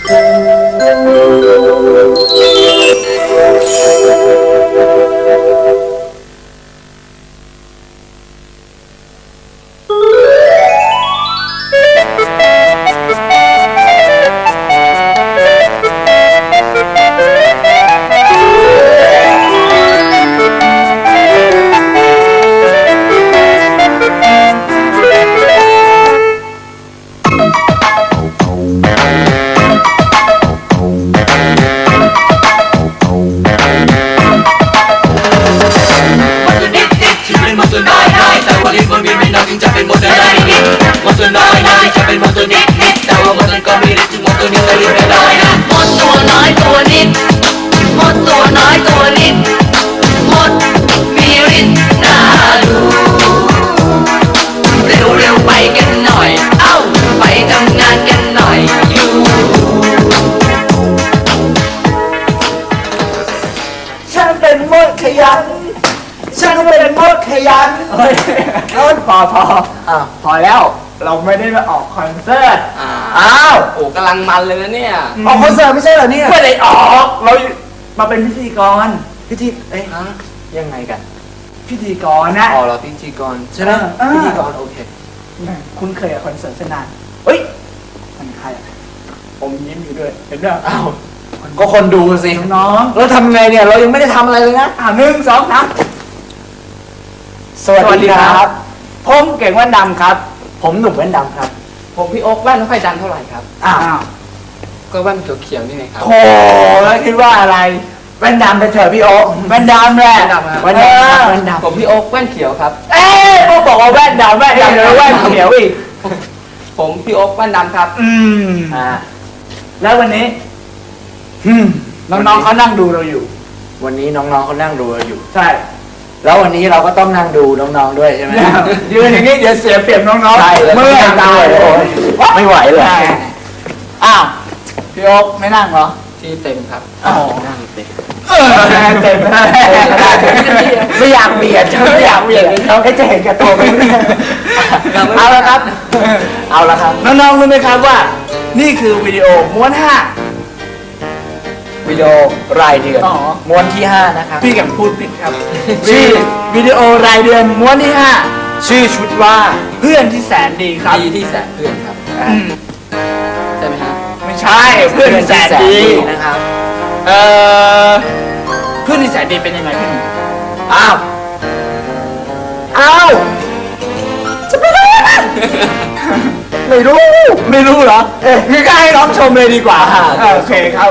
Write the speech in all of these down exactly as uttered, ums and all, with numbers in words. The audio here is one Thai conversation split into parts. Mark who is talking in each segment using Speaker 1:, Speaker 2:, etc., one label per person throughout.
Speaker 1: ฉันเป็นมดขยันเฮ้ยพอพออ่ะพอแล้วเราไม่ได้มาออกคอนเสิร์ตอ้าว
Speaker 2: โอ้กำลังมันเลยนะเนี่ย
Speaker 1: ออกคอนเสิร์ตไม่ใช่เหรอเนี่ยไม่ได้ออกเรามาเป็นพิธีกรพิธีเอ๊ะยังไงกันพิธีกรนะ
Speaker 2: อ๋อเราพิธีกรใช่ไหมพิธีกรโอเค
Speaker 1: คุณเคยกับคอนเสิร์ตเส้นนานเฮ้ยมันใครผมยิ้มอยู่ด้วยเห็นไหมอ้าว
Speaker 2: ก็คนดูสิ
Speaker 1: น้อง
Speaker 2: แล้วทำไงเนี่ยเรายังไม่ได้ทำอะไรเลยนะ
Speaker 1: อ่าหนึ่งสองสามสวัสดีครับผมเก่งแว่นดำครับผมหนุ่มแว่นดำครับ
Speaker 2: ผมพี่โอ๊คแว่นไม่ค่อยดังเท่าไหร่ครับ
Speaker 1: อ้าว
Speaker 2: ก็แว่นเขียวๆนี่ไงครับ
Speaker 1: โอ้แล้วคิดว่าอะไรแว่นดำไปเถอะพี่โอ๊คแว่นดำแหละ
Speaker 2: แว่นดำแว่นดำผมพี่โอ๊คแว่นเขียวครับ
Speaker 1: เอ๊ะพวกบอกว่าแว่นดำแว่นดำเลยแว่นเขียวอีก
Speaker 2: ผมพี่โอ๊คแว่นดำครับ
Speaker 1: อืมอ่าแล้ววันนี้น้องๆเขานั่งดูเราอยู่
Speaker 2: วันนี้น้องๆเขานั่งดูเราอยู่
Speaker 1: ใช่
Speaker 2: แล้ววันนี้เราก็ต้องนั่งดูน้องๆด้วยใช่ไหม
Speaker 1: ยืนอย่างนี้เดี๋ยวเสียเปรียบน้องๆ
Speaker 2: ใช่
Speaker 1: เมื่อยตายเลย
Speaker 2: ไม่ไหวเลย
Speaker 1: อ้าวพี่โอ๊คไม่นั่งเหรอ
Speaker 2: ที่เต็มครับนั่งเต็ม
Speaker 1: เต็มไม่อยากเบียดไม่อยากเบียดเขาแค่จะเห็นแก่ตัวไม่เอาละครับเอาละครับน้องๆรู้ไหมครับว่านี่คือวิดีโอม้วนห้า
Speaker 2: วิดีโอรายเดือนม้วนที่ห้านะครับ
Speaker 1: พี่แกพูดผิดครับชื่อวิดีโอรายเดือนม้วนที่ห้าชื่อชุดว่าเพื่อนที่แสนดีครับ
Speaker 2: ดีที่แสนเพื่อนครับใช่ไหมครับ
Speaker 1: ไม่ใช่เพื่อนที่แสนดี
Speaker 2: นะครับ
Speaker 1: เอ่อเพื่อนที่แสนดีเป็นยังไงพี่
Speaker 2: อ้าว
Speaker 1: อ้าวจะเป็นอะไรนะไม่รู้ไม่รู้เหรอเอ๊ะงั้นก็ให้น้องชมเลยดีกว่าโอเคครับ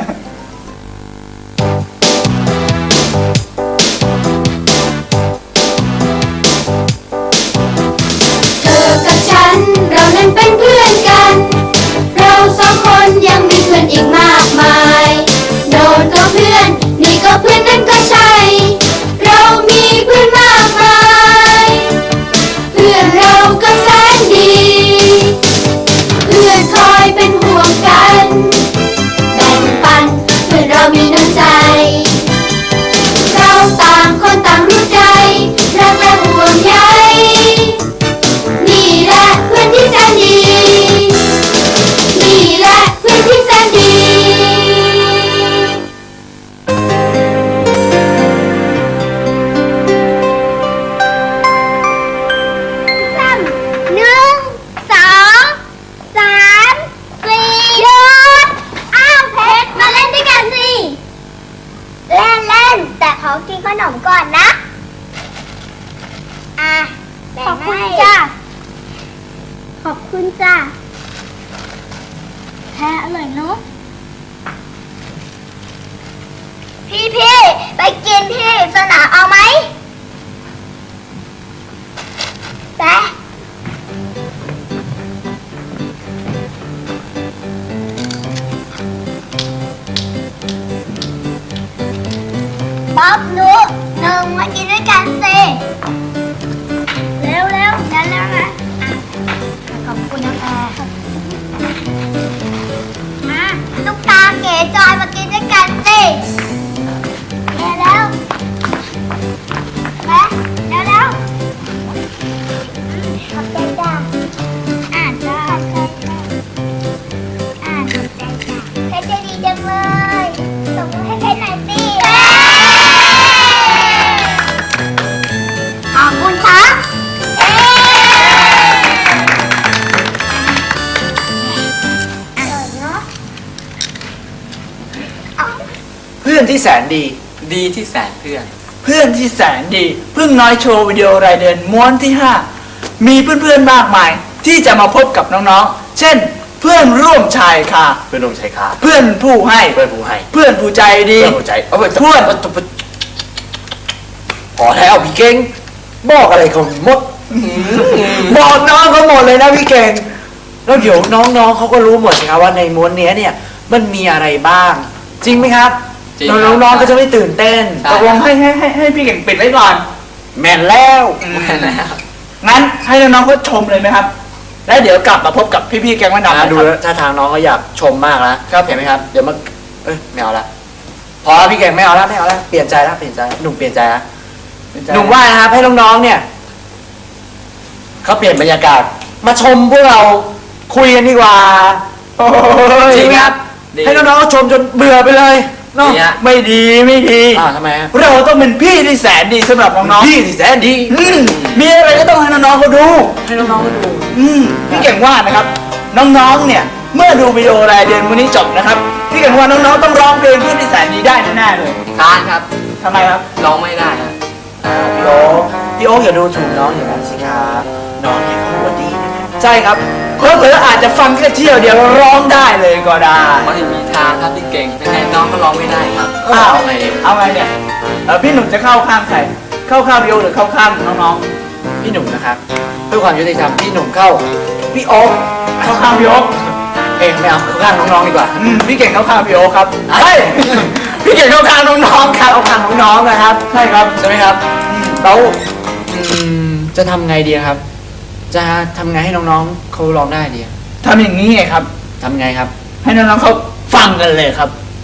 Speaker 3: เรานั้นเป็นเพื่อนกันเราสองคนยังมีเพื่อนอีกมากมายโน่นก็เพื่อนนี่ก็เพื่อนนั่นก็ใช่เรามีเพื่อนมากมายเพื่อนเราก็แสนดีเพื่อนคอยเป็นห่วงกันแบ่งปันเพื่อนเรามีน้ำใจเราต่างคนต่างรู้ใจรักและห่วงใยนี่แหละเพื่อนที่แสนดีนี่แหละเพื่อนที่แสนดีสามหนึ่งสองสามสี่หยุดอ้าวเพชรมาเล่นด้วยกันสิเล่นเล่นแต่ขอกินขนมก่อนนะอ่ะขอบคุณจ้าขอบคุณจ้าแพ้อร่อยเนาะพี่พี่ไปกินที่สนามเอาไหมไปป๊อบนุ๊กหนึ่งมากินด้วยกันสิเร็วเร็วกันแล้วนะขอบคุณนะแพรมาตุ๊กตาเก๋จอยมากินด้วยกันสิแม่แล้วแม่แล้วแล้วขอบใจจ้าอ่านจ้าอ่านขอบใจจ้า
Speaker 1: อนที่แสนดี
Speaker 2: ดีที่แสนเพื่อน
Speaker 1: เพื่อนที่แสนดีพึ่งน้อยโชว์วิดีโอรายเดือนม้วนที่ห้ามีเพื่อนๆมากมายที่จะมาพบกับน้องๆเช่นเพื่อนร่วมชายคา
Speaker 2: เพื่อนร่วมชายคา
Speaker 1: เพื่อนผู้ให้
Speaker 2: เพื่อนผู้ให้
Speaker 1: เพื่อนผู้ใจดี
Speaker 2: เพื่อนผู้ใจเอาไป
Speaker 1: เพื่อน
Speaker 2: พอแล้วพี่เก่งบอกอะไรเขาหมด
Speaker 1: บอกน้องเขาหมดเลยนะพี่เก่ง
Speaker 2: แล้วเดี๋ยวน้องๆเขาก็รู้หมดสิครับว่าในม้วนเนี้ยเนี่ยมันมีอะไรบ้าง จริงไหมครับ
Speaker 4: จริงครับ
Speaker 2: น้องๆก็จะไม่ตื่นเต้น
Speaker 4: ใช่
Speaker 1: ตกลงให้ให้ให้ให้พี่เก่งปิดไว้ก่อน
Speaker 2: แม่นแล้ว
Speaker 1: งั้นให้น้องๆเขาชมเลยไหมครับ แล้วเดี๋ยวกลับมาพบกับพี่ๆแกงวันดำ
Speaker 2: อ่ะ
Speaker 1: นะ
Speaker 2: ดู
Speaker 1: ครับ
Speaker 2: แล้วถ้าทางน้องก็อยากชมมากนะครับ เห็นไหมครับเดี๋ยวมาเอ้ยไม่เอาละพอแล้วพี่เก่งไม่เอาละไม่เอาละเปลี่ยนใจละเปลี่ยนใจหนุ่มเปลี่ยนใจละหนุ่มว่านะครับให้น้องๆเนี่ยเขาเปลี่ยนบรรยากาศ มาชมพวกเราคุยกันดีกว่า
Speaker 1: โอ้ย
Speaker 2: จริงครับ
Speaker 4: ดี
Speaker 2: ให้น้องๆเขาชมจนเบื่อไปเลยเนาะ
Speaker 4: ดีฮะ
Speaker 1: ไม่ดีไม่ดี
Speaker 2: อ่าทำไมฮะ
Speaker 1: เราต้องเป็นพี่ที่แสนดีสำหรับน้อง
Speaker 2: พี่ที่แสนดี
Speaker 1: ๆอืมมีอะไรก็ต้องให้น้องๆเขาดู
Speaker 2: ให้น้องๆเขาดู
Speaker 1: อืมพี่เก่งว่านะครับ น้องๆเนี่ยเมื่อดูวิดีโอรายเดือนวันนี้จบนะครับพี่เก่งว่าน้องๆต้องร้องเพลงพี่ที่แสนดีได้แน่ๆเลย
Speaker 4: ทานครับ
Speaker 1: ทำไมครับ
Speaker 4: ร้องไม่ได้ครับ
Speaker 2: พี่โอ๊คพี่โอ๊คอย่าดูถูกน้องอย่างนั้นสิครับน้องเนี่ยเขาหัวดีนะครับ
Speaker 1: ใช่ครับเพื่อๆอาจจะฟังแค่เที่ยวเดียวร้องได้เลยก็ได้
Speaker 4: ไม่มีทางครับพี่เก่งยังไงน้องก็ร้องไม่ได้ครับ
Speaker 1: อ้าว
Speaker 4: เอาไงดี
Speaker 1: เอาไงเนี่ยเออพี่หนุ่มจะเข้าข้างใครเข้าข้างพี่โอหรือเข้าข้างน้อง
Speaker 2: พี่หนุ่มนะครับเพื่อความยุติธรรมพี่หนุ่มเข้าพี่โอ๊ค
Speaker 1: ๆเข้าข้างพี่โอ
Speaker 2: เองไม่เอาเข้าข้างน้องๆดีกว่า
Speaker 1: อืมพี่เก่งเข้าข้างพี่โอครับเฮ้ยพี่เก่งเข้าข้างน้องๆครับ
Speaker 2: เข้าข้างน้องๆนะครับ
Speaker 1: ใช่ครับ
Speaker 2: ใช่ไหมครับแล้วอืมจะทำไงดีครับ จะทำไงให้น้องๆเขาร้องได้ดี
Speaker 1: ทำอย่างนี้ไงครับ
Speaker 2: ทำไงครับ
Speaker 1: ให้น้องๆเขาฟังกันเลยครับ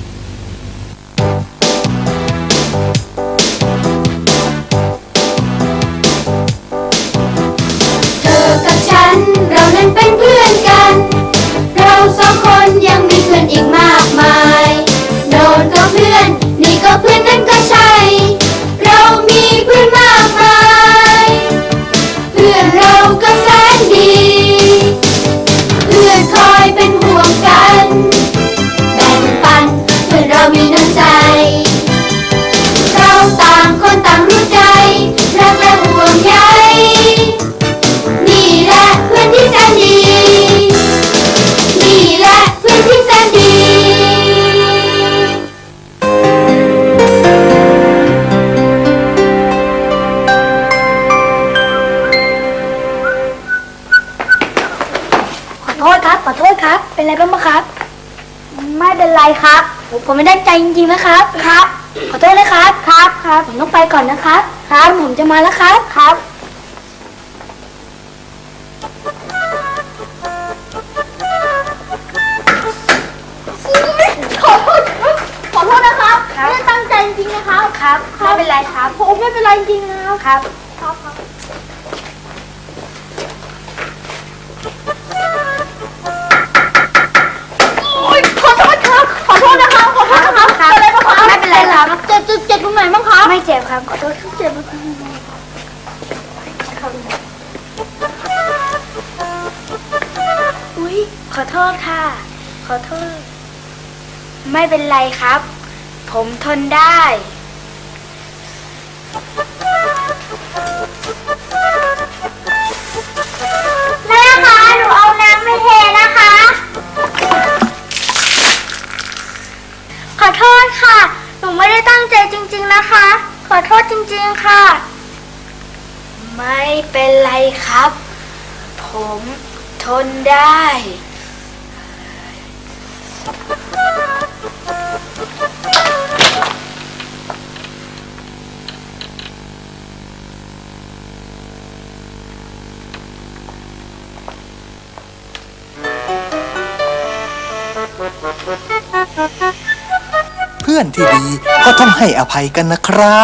Speaker 3: เธอกับฉันเรานั้นเป็นเพื่อนกัน เราสองคนยังมีเพื่อนอีกมากมายโน่นก็เพื่อน นี่ก็เพื่อนนั่นก็ใช่ เรามีเพื่อนมากมาย เพื่อนเราก็แสนดี เพื่อนคอยเป็นห่วงกัน แบ่งปันเพื่อนเรามีน้ำใจ เราต่างคนต่างรู้ใจ รักและห่วงใย นี่แหละเพื่อนที่แสนดี นี่แหละเพื่อนที่แสนดี
Speaker 5: ขอโทษครับ ขอโทษครับ เป็นไรบ้างไหมครับ ไม่เป็นไรครับ ผมผมไม่ได้ใจจริงๆนะครับ ครับ ขอโทษนะครับ ครับ ครับ ผมต้องไปก่อนนะครับ ครับ ผมจะมาแล้วครับ ครับ ขอโทษครับ ขอโทษนะครับไม่ได้ตั้งใจจริงๆนะครับ ครับ ไม่เป็นไรครับ ผมไม่เป็นไรจริงๆนะครับ ครับ ครับครับ โอ๊ยขอโทษครับ ขอโทษนะครับ ขอโทษนะครับเป็นไรบ้างครับไม่เป็นไรครับเจ็บเจ็บเจ็บตรงไหนบ้างครับไม่เจ็บครับ ขอโทษครับเจ็บมากอุ๊ย ขอโทษค่ะ ขอโทษ ไม่เป็นไรครับ ผมทนได้ แม่คะ หนูเอาน้ำไปเทนะคะ ขอโทษค่ะ หนูไม่ได้ตั้งใจจริงๆนะคะ ขอโทษจริงๆค่ะ ไม่เป็นไรครับ ผมทนได้
Speaker 6: เพื่อนที่ดีก็ต้องให้อภัยกันนะครับ